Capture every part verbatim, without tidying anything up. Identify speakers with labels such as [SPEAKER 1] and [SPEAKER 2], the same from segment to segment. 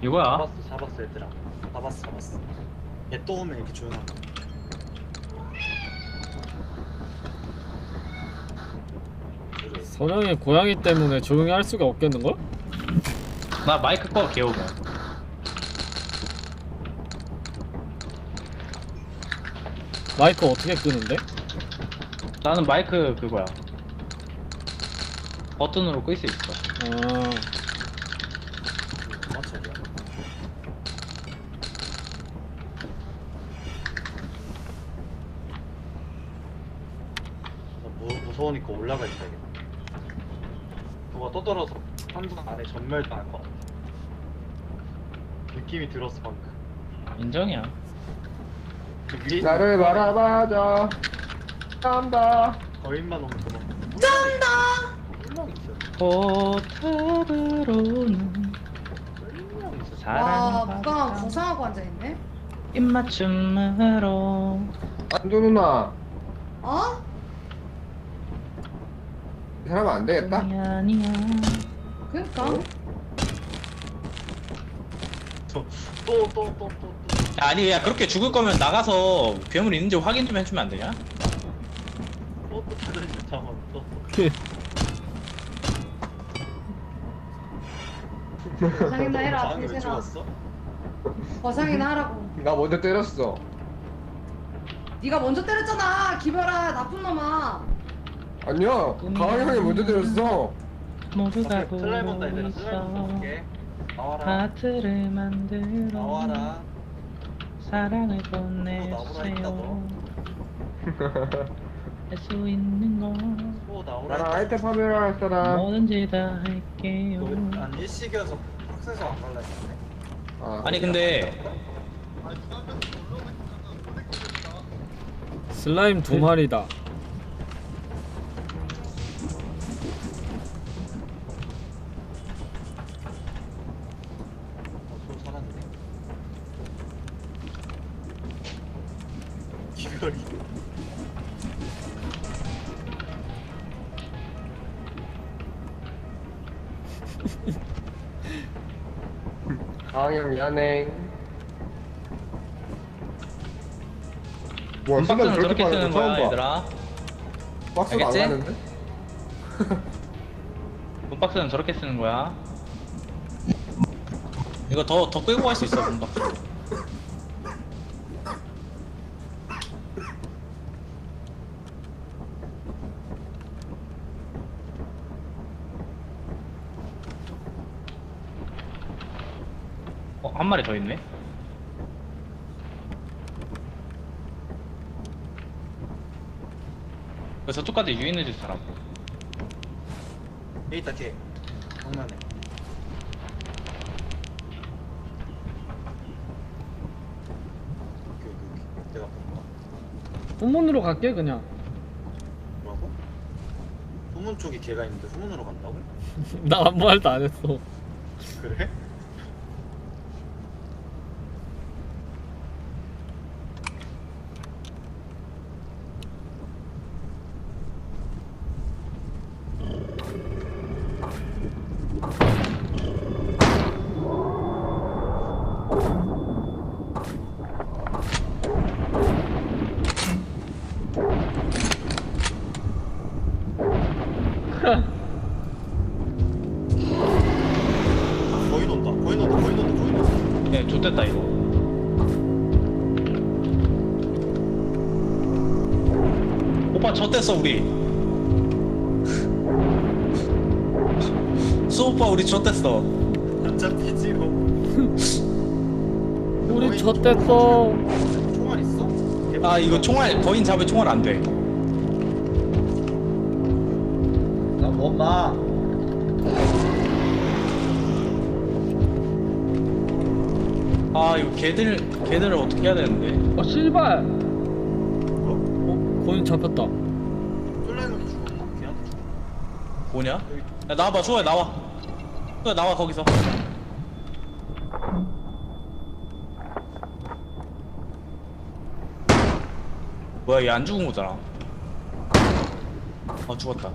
[SPEAKER 1] 이거야.
[SPEAKER 2] 잡았어 잡았어 얘들아. 잡았어 잡았어. 얘 또 오면 이렇게 조용한 거. 그래.
[SPEAKER 3] 선영이 고양이 때문에 조용히 할 수가 없겠는걸?
[SPEAKER 1] 나 마이크 꺼 개오고.
[SPEAKER 3] 마이크 어떻게 끄는데?
[SPEAKER 1] 나는 마이크 그거야. 버튼으로 끌 수 있어.
[SPEAKER 3] 아,
[SPEAKER 2] 맞춰야 무서우니까 올라가 있어야겠다. 누가 떠들어서 함선 안에 전멸당할 것 같아. 느낌이 들었어 방금.
[SPEAKER 1] 인정이야.
[SPEAKER 2] 그 위에
[SPEAKER 4] 나를 바라봐줘. 깜다.
[SPEAKER 2] 거인만 오면 그만.
[SPEAKER 5] 쩐다.
[SPEAKER 2] 물렁 있어.
[SPEAKER 1] 포탑으로는
[SPEAKER 2] 물렁 있어.
[SPEAKER 5] 와,
[SPEAKER 1] 사랑을
[SPEAKER 5] 무광
[SPEAKER 1] 받아.
[SPEAKER 5] 고상하고 앉아있네.
[SPEAKER 1] 입맞춤으로.
[SPEAKER 4] 안조 누나,
[SPEAKER 5] 어?
[SPEAKER 4] 이 사람 안 되겠다.
[SPEAKER 1] 아니야 아니야.
[SPEAKER 5] 그니까.
[SPEAKER 4] 어?
[SPEAKER 2] 또또또 또 또.
[SPEAKER 1] 아니 야 그렇게 죽을 거면 나가서 괴물 있는지 확인 좀 해주면 안 되냐?
[SPEAKER 2] 또또 다른 잠깐 또.
[SPEAKER 5] 거상이나 해라,
[SPEAKER 2] 장이 왜
[SPEAKER 5] 대세나.
[SPEAKER 2] 죽었어?
[SPEAKER 5] 거상이나 하라고.
[SPEAKER 4] 나 먼저 때렸어.
[SPEAKER 5] 네가 먼저 때렸잖아, 기별아, 나쁜 놈아.
[SPEAKER 4] 아니야, 가을 형이 먼저 때렸어.
[SPEAKER 1] 모두가 보고
[SPEAKER 2] 슬라임 온다 얘들아. 슬라임
[SPEAKER 1] 있어.
[SPEAKER 2] 볼게. 나와라.
[SPEAKER 1] 하트를 만들어
[SPEAKER 2] 나와라.
[SPEAKER 1] 사랑을
[SPEAKER 2] 나오라 했다,
[SPEAKER 1] 보내주세요. 할 수 있는 건
[SPEAKER 2] 또 나오라.
[SPEAKER 4] 나랑 아이템 파멸할 사람.
[SPEAKER 1] 뭐든지 다 할게요.
[SPEAKER 2] 안 일식이어서 학생서 안 갈라 했네.
[SPEAKER 4] 아,
[SPEAKER 1] 아니 근데
[SPEAKER 3] 슬라임 두 마리다.
[SPEAKER 2] 어, 손 살았네. 기별이.
[SPEAKER 4] 가을 형 미안해. 와, 순간
[SPEAKER 1] 박스는
[SPEAKER 4] 저렇게
[SPEAKER 1] 저렇게
[SPEAKER 4] 빠는
[SPEAKER 1] 쓰는
[SPEAKER 4] 거 처음
[SPEAKER 1] 거야
[SPEAKER 4] 봐.
[SPEAKER 1] 얘들아.
[SPEAKER 4] 박스가 안
[SPEAKER 1] 알겠지?
[SPEAKER 4] 가는데?
[SPEAKER 1] 문박스는 저렇게 쓰는 거야. 이거 더 더 끌고 갈 수 있어 문박스. 어, 한 마리 더 있네. 그래서 저쪽까지 유인해 줄 사람.
[SPEAKER 2] 여기 있다 뒤에. 장난해. 오케이 오케이 오케이. 내가 본 거.
[SPEAKER 3] 후문으로 갈게 그냥.
[SPEAKER 2] 뭐라고? 후문 쪽에 걔가 있는데 후문으로 간다고?
[SPEAKER 3] 나 아무 말도 안 했어.
[SPEAKER 2] 그래? 거인 온다. 거인 온다. 거인 온다. 거인 온다.
[SPEAKER 1] 예, 좋됐다 이거. 오빠 젖됐어 우리. 수 오빠 우리 젖됐어.
[SPEAKER 2] 안 잡히지 뭐.
[SPEAKER 3] 우리
[SPEAKER 2] 거인
[SPEAKER 3] 젖됐어.
[SPEAKER 2] 총알- 총알 있어?
[SPEAKER 1] 아 이거 총알 거인 잡을 총알 안 돼.
[SPEAKER 2] 나못 봐.
[SPEAKER 1] 아 이거 걔들 걔들을 어떻게 해야 되는데?
[SPEAKER 3] 어 씨발.
[SPEAKER 2] 어?
[SPEAKER 3] 어 거인 잡혔다.
[SPEAKER 2] 쫄라이몬이 죽었나? 걔한테 죽었나?
[SPEAKER 1] 뭐냐?
[SPEAKER 2] 여기
[SPEAKER 1] 야 나와봐 수호야 나와. 수호야 나와 거기서. 뭐야 얘 안 죽은 거잖아. 아 죽었다.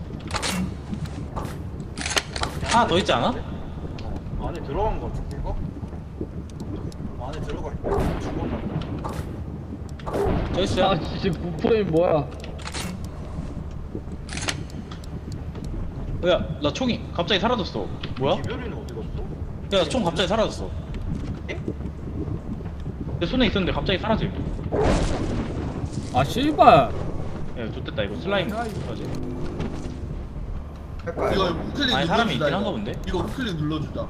[SPEAKER 1] 하나 더 있지 않아?
[SPEAKER 2] 어, 안에 들어간 거 같은데 이거? 안에 들어가 있다. 죽었나?
[SPEAKER 1] 저 있어요.
[SPEAKER 3] 아 씨 부포인 뭐야?
[SPEAKER 1] 야, 나 총이 갑자기 사라졌어. 뭐야?
[SPEAKER 2] 기별이는 어디 갔어?
[SPEAKER 1] 야, 총 갑자기 사라졌어. 내 손에 있었는데 갑자기 사라짐.
[SPEAKER 3] 아 씨발.
[SPEAKER 1] 야, 좋됐다 이거 슬라임. 맞지?
[SPEAKER 4] 할까요?
[SPEAKER 6] 이거 우클릭
[SPEAKER 1] 아니,
[SPEAKER 6] 눌러주자.
[SPEAKER 1] 사람이 있긴
[SPEAKER 6] 이거.
[SPEAKER 1] 한가 본데?
[SPEAKER 6] 이거 우클릭 눌러주자.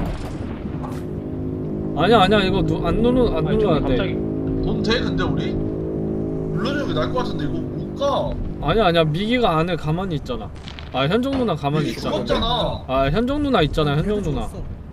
[SPEAKER 3] 아니야 아니야 이거 누, 안 눌러 안
[SPEAKER 1] 아니,
[SPEAKER 3] 눌러야
[SPEAKER 1] 총이
[SPEAKER 3] 돼.
[SPEAKER 1] 갑자기.
[SPEAKER 6] 돈 돼 근데 우리? 눌러주는 게 나을 것 같은데 이거 못 가.
[SPEAKER 3] 아니야 아니야 미기가 안에 가만히 있잖아. 아 현정 누나 가만히
[SPEAKER 6] 이게
[SPEAKER 3] 있잖아.
[SPEAKER 6] 죽었잖아.
[SPEAKER 3] 아 현정 누나 있잖아 현정 누나.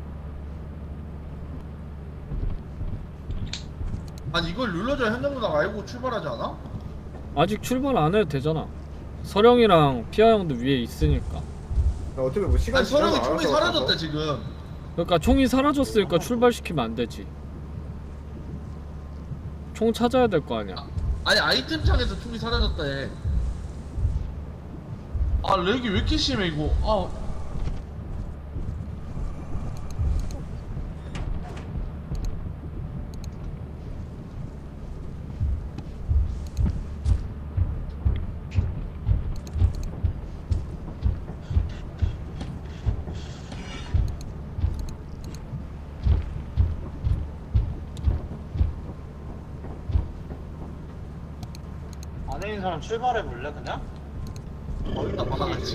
[SPEAKER 6] 아니 이걸 눌러줘야 현장 누나가 알고 출발하지 않아?
[SPEAKER 3] 아직 출발 안 해도 되잖아. 서령이랑 피아 형도 위에 있으니까.
[SPEAKER 4] 어차피 뭐 시간
[SPEAKER 6] 아니 서령이
[SPEAKER 4] 지나면
[SPEAKER 6] 총이
[SPEAKER 4] 알아서
[SPEAKER 6] 사라졌대
[SPEAKER 4] 가서.
[SPEAKER 6] 지금.
[SPEAKER 3] 그러니까 총이 사라졌으니까 출발시키면 안 되지. 총 찾아야 될 거 아니야.
[SPEAKER 6] 아니 아이템 창에서 총이 사라졌대. 아 렉이 왜 이렇게 심해 이거. 아
[SPEAKER 2] 안에 있는 사람 출발해 볼래 그냥?
[SPEAKER 6] 거기다 받아갔지.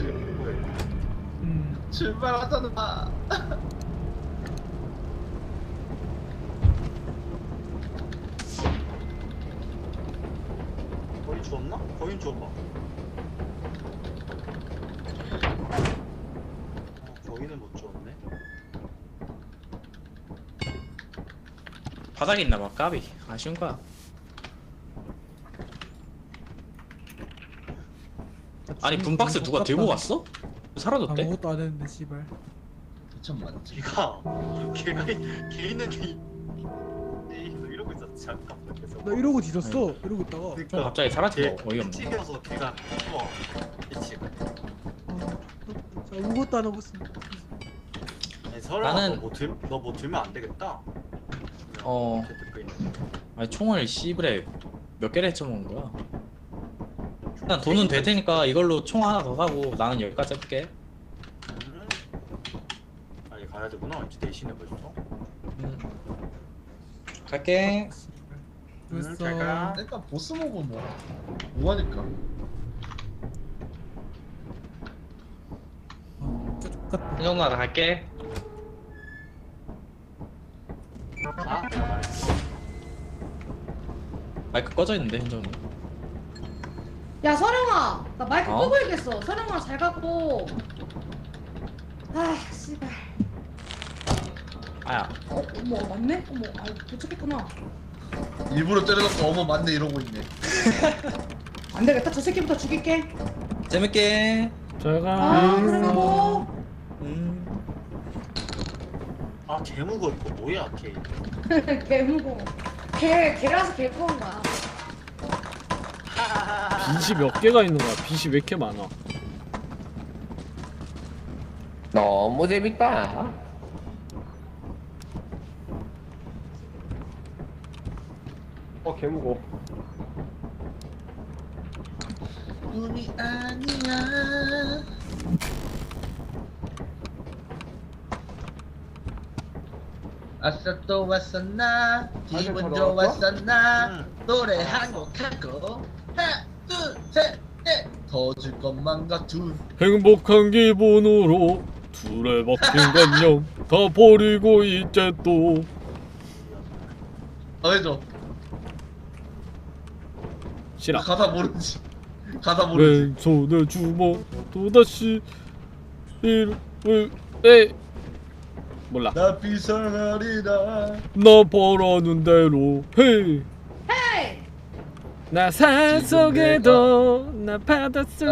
[SPEAKER 6] 출발하잖아.
[SPEAKER 2] 거인 주웠나? 거인 주워봐. 어, 거인은 못 주웠네.
[SPEAKER 1] 바닥에 있나 봐. 까비. 아쉬운 거야. 아니 분박스 누가 들고 갔어? 사라졌대?
[SPEAKER 7] 아무것도 안 했는데 씨발.
[SPEAKER 6] 이천 만지.
[SPEAKER 2] 걔가 걔가 걔 있는 게 너 이러고 있었지 잠깐만 계속.
[SPEAKER 7] 나 이러고 뒤졌어. 이러고 있다가.
[SPEAKER 1] 총 갑자기 사라진 거 어이없네.
[SPEAKER 2] 튀겨서 걔가 숨어. 미치.
[SPEAKER 7] 아, 아무것도 안 하고 있어.
[SPEAKER 2] 아니 설아
[SPEAKER 1] 나는-
[SPEAKER 2] 너뭐 들, 너뭐 들면 안 되겠다.
[SPEAKER 1] 어.
[SPEAKER 2] 이렇게 듣고 있는.
[SPEAKER 1] 아니 총을 씨브레 몇 개를 해쳐먹은 거야? 일단 돈은 될 테니까 이걸로 총 하나 더 사고 나는 여기까지 해볼게.
[SPEAKER 2] 음. 아니 가야 되구나. 이제 대신에 벌써.
[SPEAKER 1] 음. 갈게.
[SPEAKER 7] 그랬어.
[SPEAKER 2] 음, 잘 가.
[SPEAKER 6] 일단 보스 먹은 뭐 뭐하니까.
[SPEAKER 7] 어, 진짜 X같다.
[SPEAKER 1] 이 정도 나 갈게.
[SPEAKER 2] 아, 알았어.
[SPEAKER 1] 마이크 꺼져 있는데 현정이.
[SPEAKER 5] 야 서령아 나 마이크
[SPEAKER 1] 어?
[SPEAKER 5] 끄고 있겠어. 서령아 잘 갖고. 아 씨발.
[SPEAKER 1] 아야.
[SPEAKER 5] 어 어머 맞네? 어머 아 도착했구나.
[SPEAKER 6] 일부러 때려놓고 어머 맞네 이러고 있네.
[SPEAKER 5] 안 되겠다. 저 새끼부터 죽일게.
[SPEAKER 1] 재밌게.
[SPEAKER 3] 제가
[SPEAKER 5] 아 그러고.
[SPEAKER 1] 음.
[SPEAKER 2] 아 개무거 이거 뭐야 걔.
[SPEAKER 5] 개 무거워. 개 개라서 개 무거운 거야.
[SPEAKER 3] 빛이 몇 개가 있는 거야. 빛이 왜 이렇게 많아?
[SPEAKER 4] 너무 재밌다. 어 개무거.
[SPEAKER 6] 꿈이 아니야. 아싸 또 왔었나 기분
[SPEAKER 4] 아직 다 나왔어?
[SPEAKER 6] 좋았었나
[SPEAKER 2] 응.
[SPEAKER 6] 노래 한 곡 하고 하나 둘셋넷더 줄 것만 같은
[SPEAKER 3] 행복한 기분으로 둘에 박힌 건영 다 버리고 이제 또
[SPEAKER 6] 더 해줘.
[SPEAKER 3] 싫어.
[SPEAKER 6] 가사 모르지. 가사 모르지.
[SPEAKER 3] 왼손에 주먹 또다시 이를 에 몰라.
[SPEAKER 6] 나 비상하리라.
[SPEAKER 3] 너 벌어는 대로 해.
[SPEAKER 5] 헤이.
[SPEAKER 3] 나 산속에도 나 바닷속